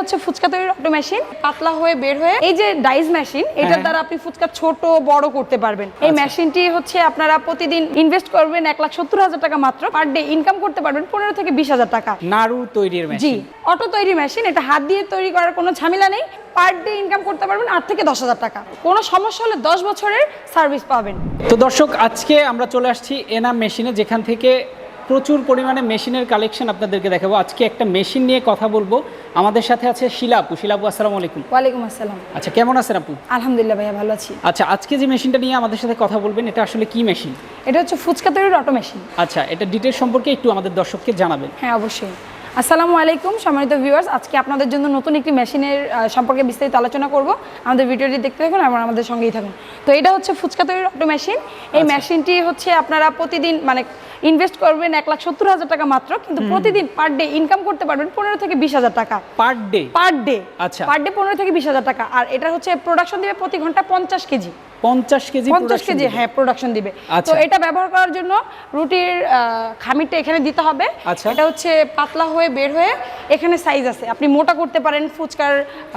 হচ্ছে ফুচকা তৈরির auto machine, পাতলা হয়ে বের হয়ে এই যে ডাইস মেশিন, এটার দ্বারা আপনি ফুচকা ছোট বড় করতে পারবেন। এই মেশিনটি হচ্ছে আপনারা প্রতিদিন ইনভেস্ট করবেন 1,70,000 টাকা মাত্র, পার ডে ইনকাম করতে পারবেন 15 থেকে 20,000 টাকা। নাড়ু তৈরির মেশিন, জি, অটো তৈরি মেশিন, এটা হাত দিয়ে তৈরি করার কোনো ঝামেলা নেই। পার ডে ইনকাম করতে পারবেন 8 থেকে 10,000 টাকা। কোনো সমস্যা হলে 10 বছরের সার্ভিস পাবেন। তো দর্শক, আজকে আমরা চলে আসছি এনাম মেশিনে, যেখান থেকে প্রচুর পরিমাণে মেশিনের কালেকশন আপনাদেরকে দেখাবো। আজকে একটা মেশিন নিয়ে কথা বলবো। আমাদের সাথে আছে শিলা আপু। শিলা আপু, আসসালামু আলাইকুম। ওয়ালাইকুম আসসালাম। আচ্ছা, কেমন আছেন আপু? আলহামদুলিল্লাহ ভাইয়া, ভালো আছি। আচ্ছা, আজকে যে মেশিনটা নিয়ে আমাদের সাথে কথা বলবেন, এটা আসলে কি মেশিন? এটা হচ্ছে ফুচকা তৈরির অটো মেশিন। আচ্ছা, এটা ডিটেইলস সম্পর্কে একটু আমাদের দর্শককে জানাবেন। হ্যাঁ, অবশ্যই। আসসালামু আলাইকুম সম্মানিত ভিউয়ার্স, আজকে আপনাদের জন্য নতুন একটি মেশিনের সম্পর্কে বিস্তারিত আলোচনা করব। আমাদের ভিডিওটি দেখতে থাকুন এবং আমাদের সঙ্গেই থাকুন। তো এটা হচ্ছে ফুচকা তৈরির অটো মেশিন। এই মেশিনটি হচ্ছে আপনারা প্রতিদিন ইনভেস্ট করবেন 1,70,000 টাকা মাত্র, কিন্তু প্রতিদিন পার ডে ইনকাম করতে পারবেন 15 থেকে 20,000 টাকা। Per day? Per day. আচ্ছা, পার ডে 15 থেকে 20,000 টাকা। আর এটা হচ্ছে প্রোডাকশন দিবে প্রতি ঘন্টা 50 কেজি। 50 কেজি? 50 কেজি, হ্যাঁ, প্রোডাকশন দিবে। তো এটা ব্যবহার করার জন্য রুটির খামিরটা এখানে দিতে হবে। এটা হচ্ছে পাতলা হয়ে বের হয়ে এখানে সাইজ আছে, আপনি মোটা করতে পারেন, ফুচকার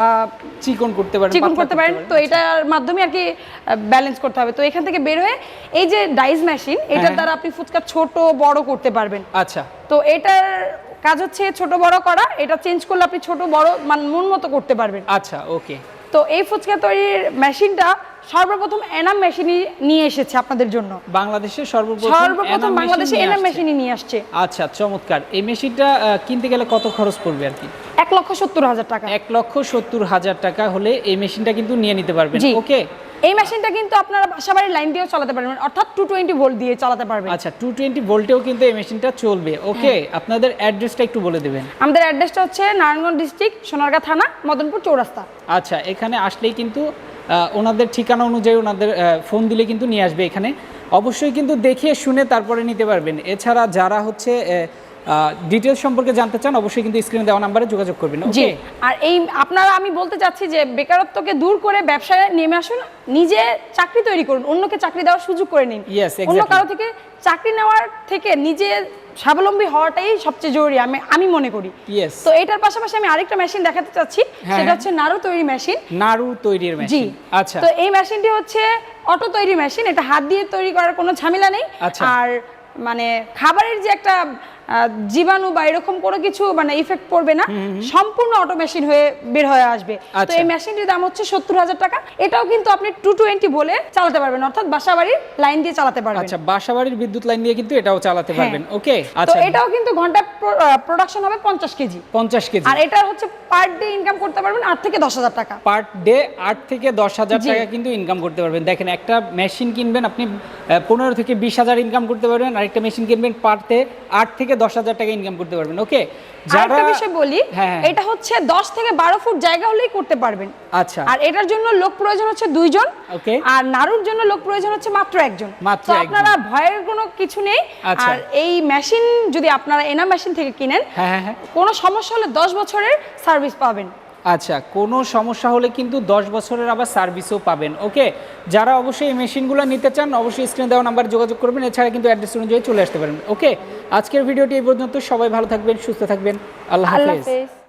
চিকন করতে পারেন, চিকন করতে পারেন। তো এটার মাধ্যমে আর কি ব্যালেন্স করতে হবে। তো এখান থেকে বের হয়ে এই যে ডাইস মেশিন, এটার দ্বারা আপনি ফুচকা ছোট বড় করতে পারবেন। আচ্ছা, তো এটার কাজ হচ্ছে ছোট বড় করা। এটা চেঞ্জ করলে আপনি ছোট বড় মন মতো করতে পারবেন। আচ্ছা, ওকে। তো এই ফুচকা তৈরির মেশিনটা সর্বপ্রথম এনাম মেশিনই নিয়ে এসেছে আপনাদের জন্য। বাংলাদেশে সর্বপ্রথম বাংলাদেশে এনাম মেশিনই নিয়ে আসছে। আচ্ছা, চমৎকার। এই মেশিনটা কিনতে গেলে কত খরচ পড়বে আর কি? 1,70,000 টাকা। 1,70,000 টাকা হলে এই মেশিনটা কিন্তু নিয়ে নিতে পারবেন। ওকে। এই মেশিনটা কিন্তু আপনারা বাসাবাড়ির লাইন দিয়েও চালাতে পারবেন, অর্থাৎ 220 ভোল্ট দিয়ে চালাতে পারবেন। আচ্ছা, 220 ভোল্টেও কিন্তু এই মেশিনটা চলবে। ওকে, আপনাদের অ্যাড্রেসটা একটু বলে দিবেন। আমাদের অ্যাড্রেসটা হচ্ছে নারায়ণগঞ্জ ডিস্ট্রিক্ট, সোনারগাঁ থানা, মদনপুর চৌরাস্তা। আচ্ছা, এখানে আসলেই কিন্তু ওনাদের ঠিকানা অনুযায়ী ওনাদের ফোন দিলে কিন্তু নিয়ে আসবে এখানে। অবশ্যই কিন্তু দেখে শুনে তারপরে নিতে পারবেন। এছাড়া যারা হচ্ছে ডিটেইলস সম্পর্কে জানতে চান, অবশ্যই কিন্তু স্ক্রিনে দেওয়া নম্বরে যোগাযোগ করবেন। জি, আর আমি বলতে চাচ্ছি যে বেকারত্বকে দূর করে ব্যবসায় নেমে আসুন, নিজে চাকরি তৈরি করুন, অন্যকে চাকরি দেওয়ার সুযোগ করে নিন। অন্য কারো থেকে চাকরি নেওয়ার থেকে নিজে স্বাবলম্বী হওয়াটাই সবচেয়ে জরুরি আমি মনে করি। তো এটার পাশাপাশি আমি আরেকটা মেশিন দেখাতে চাচ্ছি, সেটা হচ্ছে নাড়ু তৈরি মেশিন। নাড়ু তৈরির মেশিন, আচ্ছা। তো এই মেশিনটি হচ্ছে অটো তৈরি মেশিন, এটা হাত দিয়ে তৈরি করার কোনো ঝামেলা নেই। আর খাবারের যে একটা জীবাণু বা এরকম কোনো কিছু ইফেক্ট পড়বে না, সম্পূর্ণ অটো মেশিন হয়ে বের হয়ে আসবে। তো এই মেশিনটির দাম হচ্ছে 70,000 টাকা। এটাও কিন্তু আপনি 220 বলে চালাতে পারবেন, অর্থাৎ বাসাবাড়ির লাইন দিয়ে চালাতে পারবেন। আচ্ছা, বাসাবাড়ির বিদ্যুৎ লাইন দিয়ে কিন্তু এটাও চালাতে পারবেন। ওকে, আচ্ছা। তো এটাও কিন্তু ঘন্টা প্রোডাকশন হবে 50 কেজি। 50 কেজি। আর এটা হচ্ছে পার ডে ইনকাম করতে পারবেন 8 থেকে 10,000 টাকা। পার ডে 8 থেকে 10,000 টাকা কিন্তু ইনকাম করতে পারবেন। দেখেন, একটা মেশিন কিনবেন আপনি 15 থেকে 20,000 ইনকাম করতে পারবেন, আরেকটা মেশিন কিনবেন পার ডে 8 থেকে 10,000 টাকা ইনকাম করতে পারবেন। ওকে, আরেকটা বিষয় বলি, এটা হচ্ছে 10 থেকে 12 ফুট জায়গা হলেই করতে পারবেন। আচ্ছা। আর এটার জন্য লোক প্রয়োজন হচ্ছে 2 জন। ওকে। আর নাড়ুর জন্য লোক প্রয়োজন হচ্ছে মাত্র 1 জন। তো আপনারা ভয়ের কোনো কিছু নেই। আর এই মেশিন যদি আপনারা এনাম মেশিন থেকে কিনেন, কোনো সমস্যা হলে 10 বছরের সার্ভিস পাবেন। আচ্ছা, কোনো সমস্যা হলে কিন্তু 10 বছরের আবার সার্ভিসও পাবেন। ওকে, যারা অবশ্যই এই মেশিনগুলো নিতে চান, অবশ্যই স্ক্রিনে দেওয়া নাম্বারে যোগাযোগ করবেন। এছাড়া কিন্তু অ্যাড্রেস অনুযায়ী চলে আসতে পারেন। ওকে, আজকের ভিডিওটি এই পর্যন্ত। সবাই ভালো থাকবেন, সুস্থ থাকবেন। আল্লাহ হাফেজ।